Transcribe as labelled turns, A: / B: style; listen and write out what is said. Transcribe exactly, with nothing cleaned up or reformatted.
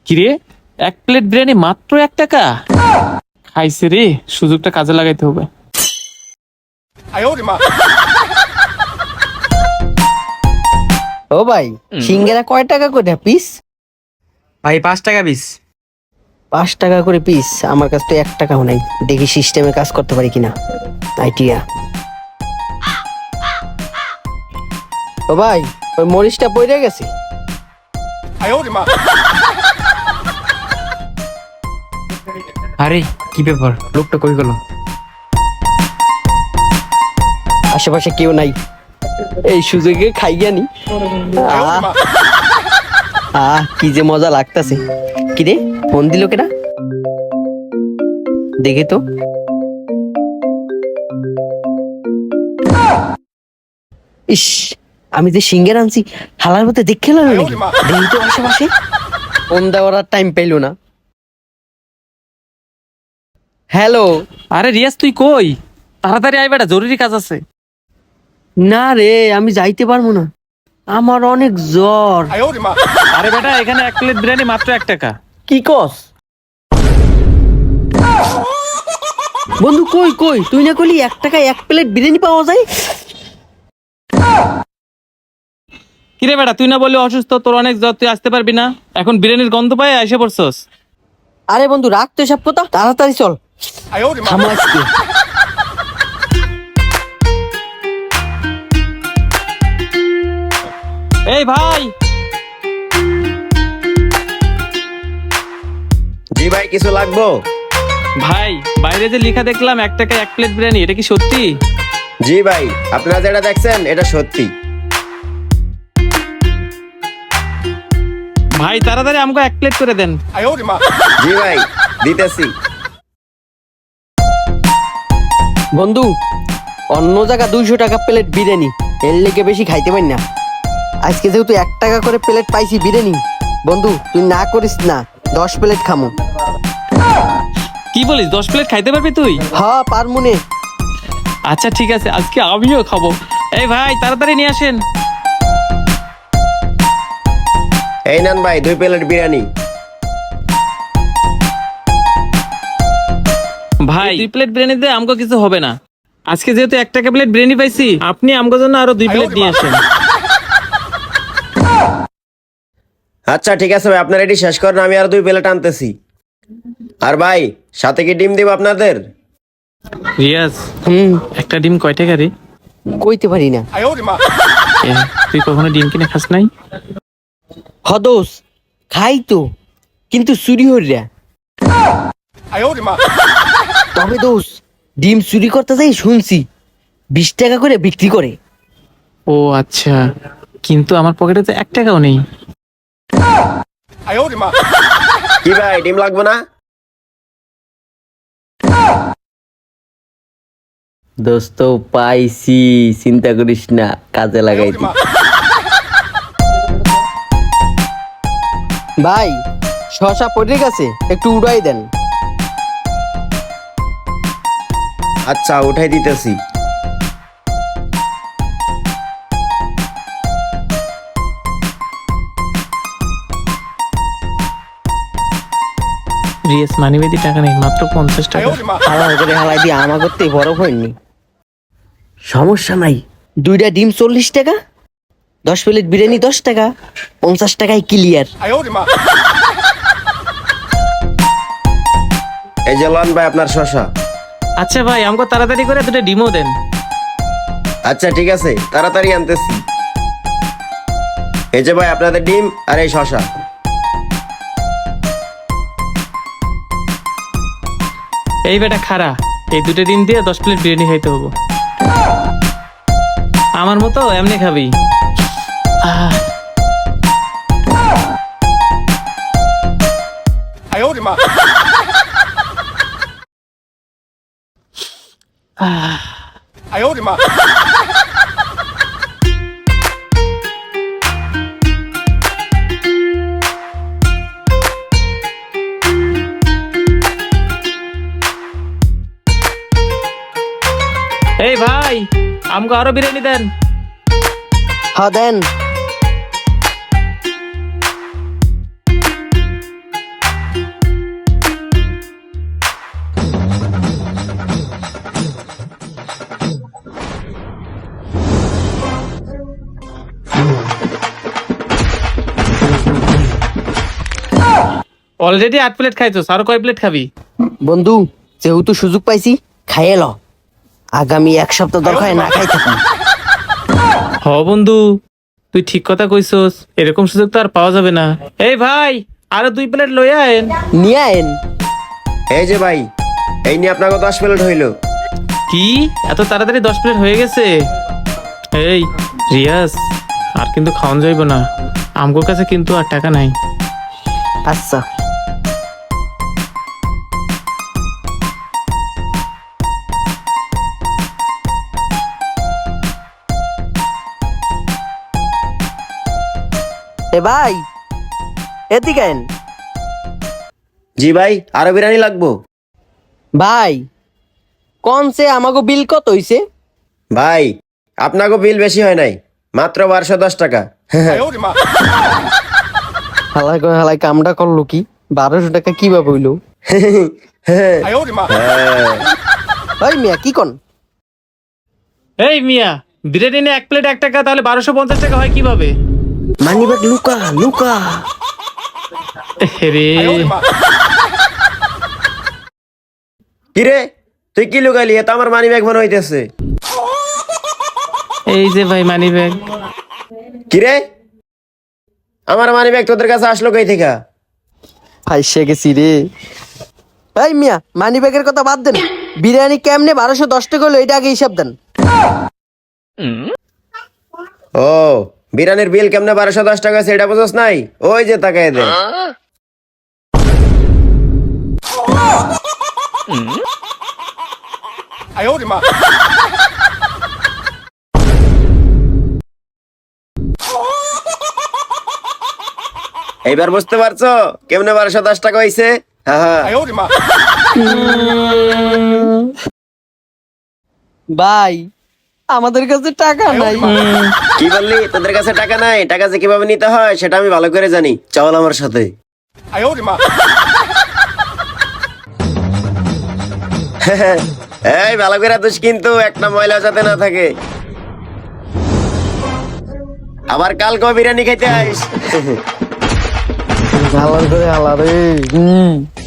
A: কিরে, এক প্লেট বিরিয়ানি মাত্র এক টাকা? খাইছে রে, সুযোগটা কাজে লাগাইতে হবে।
B: ও ভাই, সিঙ্গারা কয় টাকা করে পিস?
C: ভাই পাঁচ টাকা পিস।
B: পাঁচ টাকা করে পিস? আমার কাছে তো এক টাকাও নাই। দেখি সিস্টেমে কাজ করতে পারি কিনা। আইডিয়া। ও ভাই, ওই মরিচটা পড়ে গেছে।
C: আরে কি ব্যাপার, লোকটা কই গেল?
B: আশেপাশে কেউ নাই, এই সুযোগে খাই জানি। আহ আহ কি যে মজা লাগতাছে। কিরে, ফোন দিল কেনা? দেখে তো। ইস, আমি যে সিঙ্গার আনছি হালার মধ্যে দেখে এলো নাকি? দেখি তো আশেপাশে। ফোন দেওয়ার আর টাইম পাইলো না। হ্যালো।
A: আরে রিয়াজ, তুই কই? তাড়াতাড়ি আই বেটা, জরুরি কাজ আছে।
B: না রে, আমি যাইতে পারবো না, আমার অনেক জ্বর।
A: আরে বেটা, এখানে এক প্লেট বিরিয়ানি মাত্র এক টাকা।
B: কি কস বন্ধু? কই কই, তুই না কইলি এক টাকায় এক প্লেট বিরিয়ানি পাওয়া যায়?
A: কিরে বেটা, তুই না বললি অসুস্থ, তোর অনেক জ্বর, তুই আসতে পারবি না? এখন বিরিয়ানির গন্ধ পায় এসে পড়ছস।
B: আরে বন্ধু, রাখ তো এসব কথা, তাড়াতাড়ি চল। থামো আজকে।
A: এই ভাই।
D: জি ভাই, কিছু লাগবো?
A: ভাই, বাইরে যে লেখা দেখলাম এক টাকায় এক প্লেট বিরিয়ানি, এটা কি সত্যি?
D: জি ভাই, আপনারা যেটা দেখছেন এটা সত্যি।
A: ভাই তাড়াতাড়ি আমাকে এক প্লেট করে দেন।
D: জি ভাই, দিতেছি।
B: বন্ধু, অন্য জায়গা দুইশো টাকা প্লেট বিরিয়ানি, এর লেগে বেশি খাইতে পারি না। আজকে যেহেতু এক টাকা করে প্লেট পাইছি বিরিয়ানি, বন্ধু তুই না করিস না, দশ প্লেট খামো।
A: কি বলিস, দশ প্লেট খাইতে পারবি তুই?
B: হ্যাঁ পারমুনে।
A: আচ্ছা ঠিক আছে, আজকে আমিও খাবো। এই ভাই তাড়াতাড়ি নিয়ে আসেন।
D: এই নেন ভাই, দুই প্লেট বিরিয়ানি।
A: ভাই দুই প্লেট বিরিয়ানি দিয়ে আমাকে কিছু হবে না। আজকে যেহেতু এক টাকা প্লেট বিরিয়ানি পাইছি, আপনি আমাকে জন্য আরো দুই প্লেট নিয়ে আসেন।
D: আচ্ছা ঠিক আছে ভাই, আপনার এটি শেষ করেন, আমি আর দুই প্লেট আনতেছি। আর ভাই, সাথে কি ডিম দিব আপনাদের?
A: রিয়াজ,
B: হুম,
A: একটা ডিম কয় টাকা রে?
B: কইতে পারি না।
A: এ, তুই কখনো ডিম কিনে খাস নাই?
B: হদোস, খাই তো, কিন্তু চুরি হইরা। তবে দোষ, ডিম চুরি করতে যাই শুনছি বিশ টাকা করে বিক্রি করে।
A: ও আচ্ছা, কিন্তু আমার পকেটে তো এক টাকাও নেই।
D: কি ভাই, ডিম লাগবে না?
B: দোস্ত পাইছি, চিন্তা করিস না, কাজে লাগাইছি। ভাই, শশা পড়ে গেছে, একটু উড়াই দেন।
D: আচ্ছা, উঠাই দিতেছি।
A: রিয়াজ, মানিব্যাগে টাকা নেই, মাত্র পঞ্চাশ টাকা।
B: হালা করে হালাই দিয়ে আমা করতে বড় হয়নি। সমস্যা নাই, দুইটা ডিম চল্লিশ টাকা, দশ প্লেট বিরিয়ানি দশ টাকা, পঞ্চাশ টাকায় ক্লিয়ার।
D: এই যে লন ভাই আপনার শশা।
A: আচ্ছা ভাই, আমাকে তাড়াতাড়ি করে দুটো ডিমও দেন।
D: আচ্ছা ঠিক আছে, তাড়াতাড়ি আনতেছি। এই যে ভাই আপনাদের ডিম আর এই শশা।
A: এই বেটা খারা, এই দুটো ডিম দিয়ে দশ প্লেট বিরিয়ানি খাইতে হবো। আমার মতো এমনি খাবি। আহ আহ এই ভাই, আমাকে আরো বিরিয়ানি দেন।
B: হ্যাঁ দেন।
A: অলরেডি আট প্লেট খাইছোস, আরো কয় প্লেট খাবি?
B: বন্ধু যেহেতু সুযোগ পাইছি খাইয়ে ল, আগামী এক সপ্তাহ দরকার না খাই থাকুন।
A: হ বন্ধু, তুই ঠিক কথা কইছস, এরকম সুযোগ তো আর পাওয়া যাবে না। এই ভাই, আরো দুই প্লেট লই আয়েন।
B: নিয়ে আয়েন।
D: এই যে ভাই, এই নিয়ে আপনাকে দশ প্লেট হইলো।
A: কি এত তাড়াতাড়ি দশ প্লেট হয়ে গেছে? এই রিয়াজ, আর কিন্তু খাওয়ান যাইব না, আমগোর কাছে কিন্তু আর টাকা নাই।
B: আচ্ছা এ ভাই এদিকে আয়েন।
D: জি ভাই, আরো বিরিয়ানি লাগবো।
B: ভাই কোন সে আমাকে বিল কত হইছে?
D: ভাই আপনাকে বিল বেশি হয় নাই, মাত্র বারোশো দশ টাকা।
B: হালাই করে হালাই কামটা করলো কি? বারোশো টাকা কিভাবে হইলো? ভাই মিয়া কি কন?
A: এই মিয়া, বিরিয়ানি নিয়ে এক প্লেট এক টাকা, তাহলে বারোশো পঞ্চাশ টাকা হয় কিভাবে?
B: মানি ব্যাগ লুকা লুকা।
A: রে
D: কিরে তুই কি লুকাইলি? এটা আমার মানি ব্যাগ মনে হইতেছে।
A: এই যে ভাই মানি ব্যাগ।
D: কিরে আমার মানি ব্যাগ তোদের কাছে আসলো কই থেকে?
B: ফাইসে গেছি রে। ভাই মিয়া মানি ব্যাগের কথা বাদ দেন, বিরিয়ানি কেমনে বারোশো দশ টাকা হলো এটা আগে হিসাব দেন।
D: ও বিরিয়ানির বিল কেমনে বারোশো দশ টাকা সেটা বুঝোস নাই? ওই যে তাকায় দে। এইবার বুঝতে পারছো কেমনে বারোশো দশ টাকা হইছে? হ্যাঁ হ্যাঁ।
B: ভাই আমাদের কাছে টাকা নাই।
D: কি বললি? তোদের কাছে টাকা নাই? টাকা যে কিভাবে নিতে হয় সেটা আমি ভালো করে জানি, চল আমার সাথে। এই ভালো করে তুই কিন্তু একটা ময়লা যাতে না থাকে। আবার কালকে বিরিয়ানি খাইতে আইস।
B: হালার করে হালা রে।